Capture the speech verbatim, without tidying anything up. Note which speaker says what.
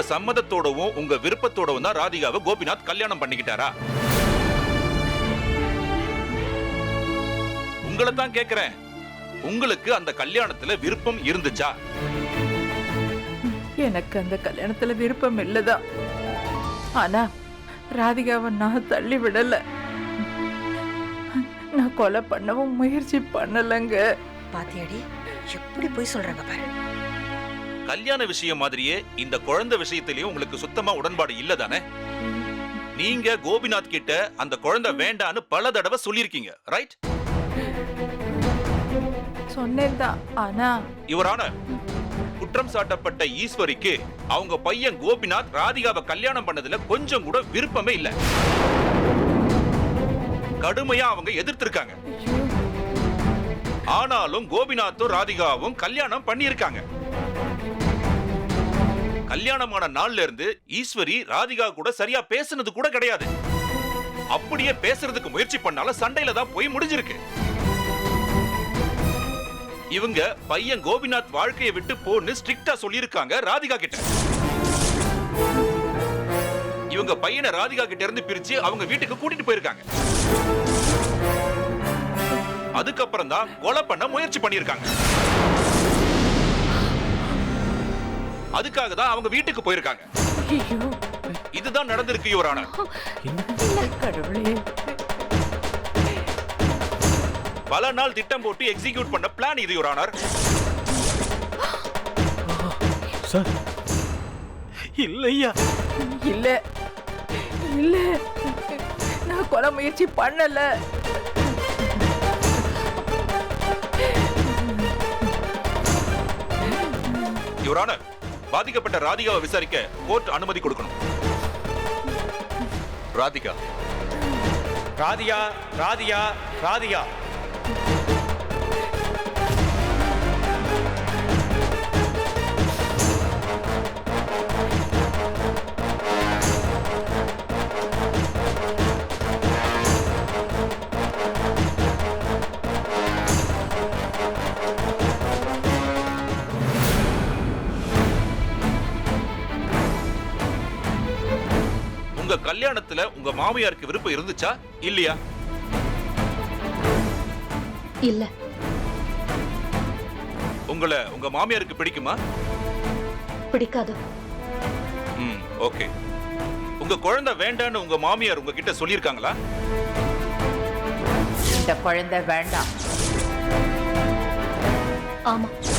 Speaker 1: சம்மதத்தோடவும் உங்க விருப்பத்தோடவும் தான் ராதிகாவை கோபிநாத் கல்யாணம் பண்ணிக்கிட்டாரா? உங்களை தான் கேக்குறேன், உங்களுக்கு அந்த கல்யாணத்துல விருப்பம் இருந்துச்சா?
Speaker 2: எனக்கு அந்த கல்யாணத்துல விருப்பம் இல்லதான். ஆனா ராதிகாவை நான் தள்ளி விடல. நான் கொலை பண்ணவும் முயற்சி பண்ணலங்க.
Speaker 3: பாத்தியாடி எப்படி போய் சொல்றாங்க பாரு.
Speaker 1: கல்யாண விஷயம் மாதிரியே இந்த குழந்தை விஷயத்திலயும் உங்களுக்கு சுத்தமா உடன்பாடு இல்லதானே? நீங்க கோபிநாத் கிட்ட அந்த குழந்தை வேண்டான்னு பல தடவை சொல்லிருக்கீங்க, ரைட்?
Speaker 2: சொன்னேன்தான். ஆனா
Speaker 1: இவரான குற்றம் சாட்டப்பட்ட ஈஸ்வரிக்கு அவங்க பையன் கோபிநாத் ராதிகாவை கல்யாணம் பண்ணதுல கொஞ்சம் கூட விருப்பமே இல்ல. கடுமையா அவங்க எதிர்த்திருக்காங்க. ஆனாலும் கோபிநாத்தும் ராதிகாவும் கல்யாணம் பண்ணியிருக்காங்க. கல்யாணமான நாள்ல இருந்து ஈஸ்வரி ராதிகா கூட சரியா பேசுனது கூட கிடையாது. அப்படியே பேசுறதுக்கு முயற்சி பண்ணாலும் சண்டையில தான் போய் முடிஞ்சிருக்கு. இவங்க பையன் கோபிநாத் வாழ்க்கையை விட்டு போன்னு ஸ்ட்ரிக்ட்டா சொல்லியிருக்காங்க ராதிகா கிட்ட. இவங்க பையனை ராதிகா கிட்ட இருந்து பிரிச்சு அவங்க வீட்டுக்கு கூட்டிட்டு போயிருக்காங்க. அதுக்கப்புறம் தான் கொலை பண்ண முயற்சி பண்ணியிருக்காங்க. அதுக்காக தான் அவங்க வீட்டுக்கு போயிருக்காங்க. இதுதான் நடந்திருக்கு யுவர் ஆனர்.
Speaker 2: கடவுளே,
Speaker 1: பல நாள் திட்டம் போட்டு எக்ஸிக்யூட் பண்ண பிளான் இது யுவர் ஆனர்.
Speaker 4: சார் இல்லையா?
Speaker 2: இல்ல இல்ல, நான் கொலை முயற்சி பண்ணல.
Speaker 1: யுவர் ஆனர், பாதிக்கப்பட்ட ராதிகாவை விசாரிக்க கோர்ட் அனுமதி கொடுக்கணும். ராதிகா
Speaker 4: ராதிகா ராதிகா ராதிகா
Speaker 1: உங்க கல்யாணத்துல உங்க மாமியாருக்கு விருப்பம் இருந்துச்சா இல்லையா?
Speaker 5: இல்ல.
Speaker 1: உங்களை உங்க மாமியாருக்கு பிடிக்குமா?
Speaker 5: பிடிக்காது.
Speaker 1: ம், ஓகே. உங்க குழந்தை வேண்டான்னு உங்க மாமியார் உங்ககிட்ட சொல்லிருக்காங்களா?
Speaker 2: இந்த குழந்தை வேண்டாம்.
Speaker 5: ஆமா.